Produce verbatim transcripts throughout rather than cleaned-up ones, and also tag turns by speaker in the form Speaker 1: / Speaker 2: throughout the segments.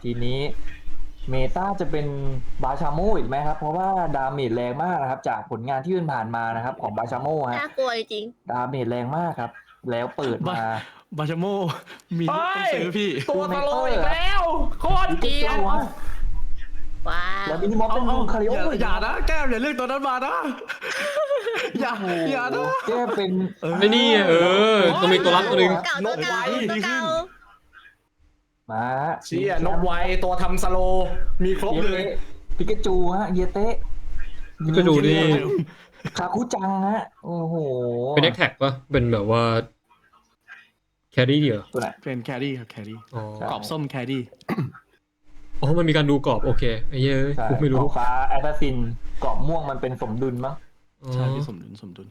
Speaker 1: ทีนี้เมตาจะเป็นบาชาโมอีกไหมครับเพราะว่าดาเมจแรงมากนะครับจากผลงานที่ผ่านมานะครับของบาชาโมฮะ
Speaker 2: น่ากลัวจริง
Speaker 1: ดาเมจแรงมากครับ แล้วเปิดมา
Speaker 3: บาชาโมมีลูกต้องซื้อพี่
Speaker 4: ตัวตะโลอีกแล้วโคตรเกลียด
Speaker 2: ว้า
Speaker 1: แล้ว
Speaker 2: ว
Speaker 1: มินิมอฟเป็น
Speaker 3: เอา
Speaker 1: คาริโอ
Speaker 3: อย่าอย่านะแก้มอย่าเลือกตัวนั้นมานะอย่าอย่านะ
Speaker 1: แก้เป็น
Speaker 5: ไม่นี่เออต้องมีตัวรับตัวหนึ่ง
Speaker 2: เก่าตัวเก่าตัวเก่า
Speaker 1: มา
Speaker 4: เชี่ยนกไวตัวทำสโลมีครบ
Speaker 1: เย
Speaker 4: เลย
Speaker 1: เตะปิกาจูฮะเยเตะ
Speaker 5: พิกาจูนี่
Speaker 1: คาคุจังฮะโอ้โห
Speaker 5: เป็นแอคแท็กปะเป็นแบบว่าแครี่เหรอ
Speaker 1: ตัวไหน
Speaker 3: เป็นแครี่ครับแครี่
Speaker 5: อ๋อก
Speaker 3: รอบส้มแครี่
Speaker 5: อ๋อมันมีการดูกรอบโอเคไอ้เหี้ย
Speaker 1: ใช่
Speaker 5: กูไม่รู้
Speaker 1: ของฟ้าแอสซัสซินกรอบม่วงมันเป็นสมดุลมั้ง
Speaker 5: อ๋อ
Speaker 3: ใช่พี่สมดุลสมดุล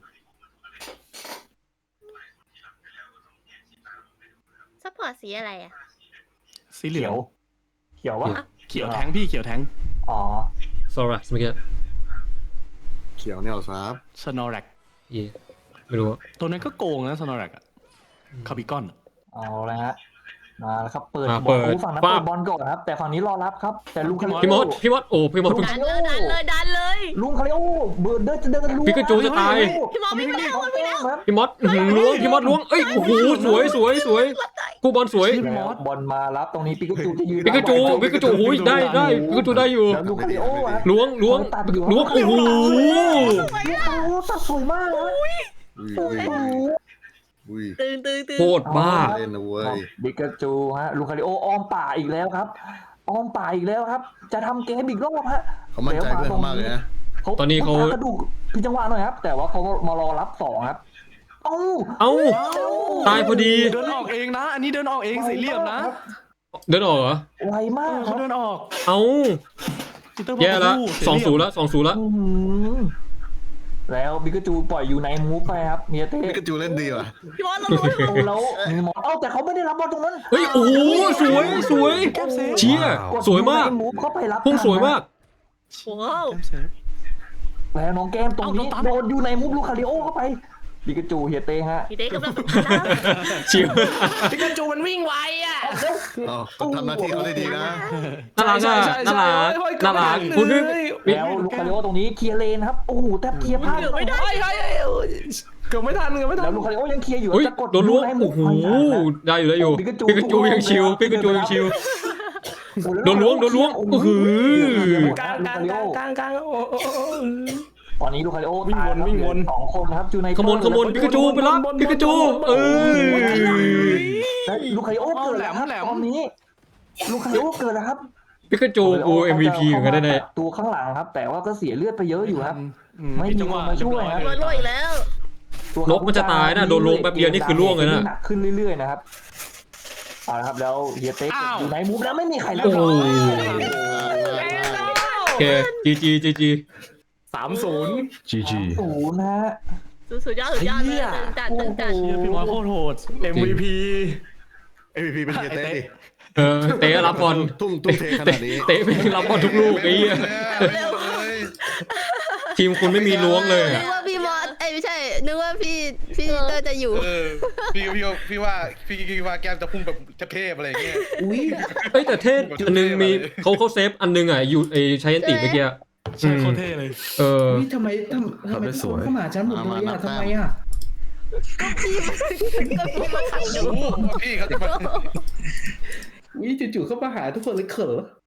Speaker 2: ซัพพอร์ตสีอะไรอ่ะ
Speaker 3: สีเหลื
Speaker 1: เขี
Speaker 3: อย ง
Speaker 1: ว เขียววะ
Speaker 3: เขียวแทงพี่เขียวแทง
Speaker 1: อ๋อ
Speaker 5: ซอรัสเมื่อกี้
Speaker 6: เขียวเนี่ยเหรอครับ
Speaker 3: สโนแร็ก
Speaker 5: เย่ไม่รู้อะ
Speaker 3: ตัวนั้นก็โกงนะสโนแร็กอะคาบิกอน
Speaker 1: เอาเลยฮะมาแล้วครับเปิด
Speaker 5: มา
Speaker 1: บอ
Speaker 5: เปิ
Speaker 1: ล
Speaker 5: ด
Speaker 1: โอ้ฝั่งนั้น
Speaker 5: ปั๊
Speaker 1: เปิ
Speaker 5: บ
Speaker 1: ดบอลก่อนครับ แต่ฝั่งนี้รอรับครับ แต่ลุงคาริโอ
Speaker 5: พี่มดพี่มดโอ้พี่มดเพิ่ง
Speaker 2: ดันเลยดันเลยดันเลย
Speaker 1: ลุงคาริโอเบิร์ดเดินจะเดินลุง
Speaker 5: ปิกาจูจะตาย
Speaker 2: พี่มองไม่ได้
Speaker 1: เขาแต้มครับ
Speaker 5: พี่มดอื้อหือล้วงพี่มดล้วงเอ้ยโอ้โหสวยสวยสวยกูบอลสวย
Speaker 1: แล้วบอลมารับตรงนี้ปิกาจูจะยืน
Speaker 5: ปิกาจูปิกาจูโอ้ยได้ได้ปิกาจูได้อยู่
Speaker 1: แล้วลุงคาริโออะ
Speaker 5: ล้วงล้วง
Speaker 1: ตัดอยู่
Speaker 5: ล้วงโอ้โห
Speaker 1: ลุงคาริโอตัดสวยมากนะ
Speaker 6: อุ้ย
Speaker 1: โอ้
Speaker 6: อุ้ย
Speaker 1: โห
Speaker 6: อุ้ย
Speaker 2: ตึงตึงตึง
Speaker 5: โคตรบ้า
Speaker 6: เล่นนะเว้ย
Speaker 1: ปิกาจูฮะลุงคาริโออ้อมป่าอีกแล้วครับอ้อมป่าอีกแล้วครับ จะทำเกมอีกรอบฮะ
Speaker 6: เขามั่นใจเพื่อนเขามากเลยนะ
Speaker 5: ตอนนี้เขา
Speaker 1: กระดูกพิจังหวะหน่อยครับ แต่ว่าเขามารอรับสองครับเอ้า
Speaker 5: เอ้าตายพอดี
Speaker 3: เดินออกเองนะ อันนี้เดินออกเองสีเหลี่ยมนะ
Speaker 5: เดินออกเหรอ
Speaker 1: ไวมา
Speaker 3: เอก อ
Speaker 1: ค
Speaker 3: เขา
Speaker 1: รับ
Speaker 3: เดินออก
Speaker 5: เอ้า
Speaker 3: ปีเตอร์
Speaker 5: แย่ละ
Speaker 3: พูด
Speaker 5: สองศูนย์ละสองศูนย์ละ
Speaker 1: อื้อหือแล้วบิกาจูปล่อยอยู่ในมูฟไปครับเมียเต้
Speaker 6: ปิกาจูเล่นดีว่ะ
Speaker 2: พี่มอสเรารู้
Speaker 1: โอ้แล้วมีหมอเอ้าแต่เขาไม่ได้รับบอลตรงนั้น
Speaker 5: เฮ้ยโอ้โหสวยสวยเชี่ยสวยมาก
Speaker 1: ดมูฟเข้าไปรับ
Speaker 5: พุ่งสวยมาก
Speaker 2: ว้าว
Speaker 1: แล้วน้องแก้มตรงนี้โดนอยู่ในมูฟลูกคาริโอเข้าไปบิกาจูเฮียเต้ฮะ
Speaker 2: พี่เต้กำลัง
Speaker 5: ชิว
Speaker 4: ปิกาจูมันวิ่งไวอ่ะ
Speaker 6: อ๋อเขาทำหน้าที่เขาได้ดีนะ
Speaker 5: น่ารักอ่ะน่ารักน่ารักคุณนึก
Speaker 1: แล้วลูกคาริโอตรงนี้เคลียร์เลนครับโอ้โหแทบเคลียร์พลาด
Speaker 2: เกือบไม่ได้
Speaker 4: เฮ้ยเฮ้ยเฮ้ยเกือบไม่ทันเกือบไม่ทั
Speaker 1: แล้
Speaker 4: น
Speaker 1: วลูกคาริโอยังเคลียร์อยู่
Speaker 5: เฮ้ย
Speaker 1: จะกด
Speaker 5: โดนล้วง
Speaker 1: ให้
Speaker 5: โอ้โห
Speaker 1: ไม่ทันนะ
Speaker 5: ได้อยู่ได้อยู่
Speaker 1: ปิกาจู
Speaker 5: ปิกาจูยังชิวปิกาจูยังชิว โดนล้วงโดนล้วง
Speaker 1: โอ้
Speaker 5: โอ้
Speaker 1: โห
Speaker 5: โห
Speaker 4: กลางกลางกลางกลางกลางโอ้โอ้
Speaker 1: ตอนนี้ลูกคาริโอ
Speaker 4: วิ่งวน
Speaker 1: ตายครับ
Speaker 4: วิ่งวน
Speaker 1: เหลือสองคนครับจูใน
Speaker 5: ขโมยขโมยปิกาจูไปรับปิกาจูเออ
Speaker 1: แล้วลูกคาริโอเกิดแล้วครับตอนนี้ลูกคาริโอเกิดแล้วครับ
Speaker 5: ปิกาจูกู เอ็ม วี พี เหมือนกันได้แน่
Speaker 1: ตัวข้างหลังครับ แต่ว่าก็เสียเลือดไปเยอะอยู่ครับ ไม่
Speaker 3: ไม่
Speaker 1: มี
Speaker 3: จังหวะ
Speaker 1: คนมาช่วยครับ
Speaker 2: โดนโรยอีกแล้ว
Speaker 1: ตัวน
Speaker 5: กมันจะตายนะโดนลงแป๊บเดียวนี่คือล่วงเลยนะ
Speaker 1: หนักขึ้นเรื่อยๆนะครับเอาละครับแล้วเฮียเต็กอยู่ในมูฟแล้วไม่มีใครเล่น
Speaker 5: โอ้โหโอเคจีจีจีจี
Speaker 4: สามศูนย์
Speaker 7: จีจี
Speaker 1: ศูนย์นะฮะ
Speaker 2: สุดยอดสุดยอดเลยตึงจัดตึงจัด
Speaker 3: เชี่ยพี่มอสโคตรโหด
Speaker 4: เอ็มวีพี
Speaker 6: เอ็ม วี พี เป็นเฮียเต้ดิ
Speaker 5: เออเตะรับบอล
Speaker 6: ทุ่มทุ่มเทขนาดนี้
Speaker 5: เตะไปรับบอลทุกลูกไอ้เหี้ยทีมคุณไม่มีล้วงเลย
Speaker 2: นึ
Speaker 5: อะ
Speaker 2: กว่าพี่มอสเอ้ยไม่ใช่นึกว่าพี่พี่เตอร์จะอยู่
Speaker 8: เออพี่พี่ว่าพี่ว่าพี่คิดว่าแก้มจะพุ่งแบบเทพๆอะไรอย่างเงี้ย
Speaker 1: อุ้ย
Speaker 5: เอ้ยแต่เทศอันนึงมีเขาเขาเซฟอันนึงอ่ะอยู่ไอใช้ยันติเมื่อกี้
Speaker 3: ใช่โคตรเท่เลย
Speaker 5: เออ
Speaker 7: นี่ทำไมทำทำไมทุกคนเข้ามาหาฉันหมดเลยอ่ะทำไมอ่ะ
Speaker 2: พี่ก็พี่มาขัดดู
Speaker 8: โอ้โหพี่เขาจะมา
Speaker 7: วิจู่ๆเข้ามาหาทุกคนเลยเขอ